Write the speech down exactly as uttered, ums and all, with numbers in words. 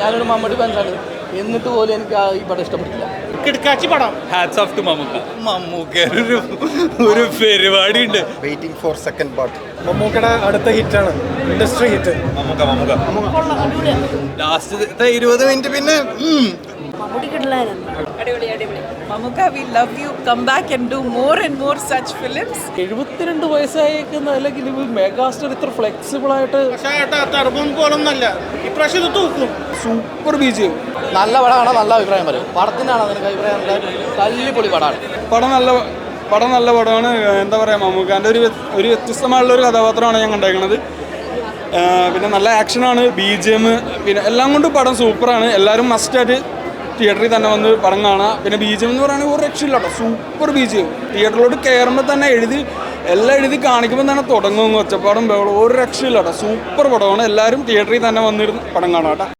ഞാനൊരു മമ്മൂട്ടി ഫാൻസാണ്, എന്നിട്ട് പോലും എനിക്ക് ഈ പടം ഇഷ്ടപ്പെട്ടില്ല. കിടക്കാച്ചി പടം. Hats off to Mammukka. Mammukka ഒരു ഒരു പരിപാടി ഉണ്ട്. Waiting for second part. മമ്മൂക്കയുടെ അടുത്ത ഹിറ്റാണ്, industry hit. Mammukka Mammukka last ഇരുപത് മിനിറ്റ് പിന്നെ അടിപൊളി അടിപൊളി Mammukka, we love you, come back and do more and more such films. എഴുപത്തിരണ്ട് വയസ്സായേക്കുന്ന അല്ലെങ്കിൽ മെഗാസ്റ്റാർ ഇത്ര ഫ്ലെക്സിബിൾ ആയിട്ട് പോലൊന്നല്ല ഇപ്രാവശ്യം ഇത് തൂക്കും. സൂപ്പർ ബീജ്. നല്ല പടമാണ്, നല്ല അഭിപ്രായം പറയും. പടത്തിനാണ് അതിനൊക്കെ അഭിപ്രായം, തല്ലിപ്പൊളി പടമാണ്. പടം നല്ല പടം നല്ല പടമാണ്. എന്താ പറയുക, മമ്മൂക്കാൻ്റെ ഒരു ഒരു വ്യത്യസ്തമായുള്ള ഒരു കഥാപാത്രമാണ് ഞാൻ കണ്ടേക്കുന്നത്. പിന്നെ നല്ല ആക്ഷനാണ്, ബി ജി എം, പിന്നെ എല്ലാം കൊണ്ടും പടം സൂപ്പറാണ്. എല്ലാവരും മസ്റ്റായിട്ട് തിയേറ്ററിൽ തന്നെ വന്ന് പടം കാണാം. പിന്നെ ബി ജി എം എന്ന് പറയുകയാണെങ്കിൽ ഒരു രക്ഷയില്ല കേട്ടോ, സൂപ്പർ ബി ജി എം. തിയേറ്ററിലോട്ട് കയറുമ്പോൾ തന്നെ എഴുതി എല്ലാം എഴുതി കാണിക്കുമ്പോൾ തന്നെ തുടങ്ങും ഒച്ചപ്പാടും ബഹളം, ഒരു രക്ഷയില്ല കേട്ടോ, സൂപ്പർ പടമാണ്. എല്ലാവരും തിയേറ്ററിൽ തന്നെ വന്നിരുന്ന് പടം കാണാം കേട്ടോ.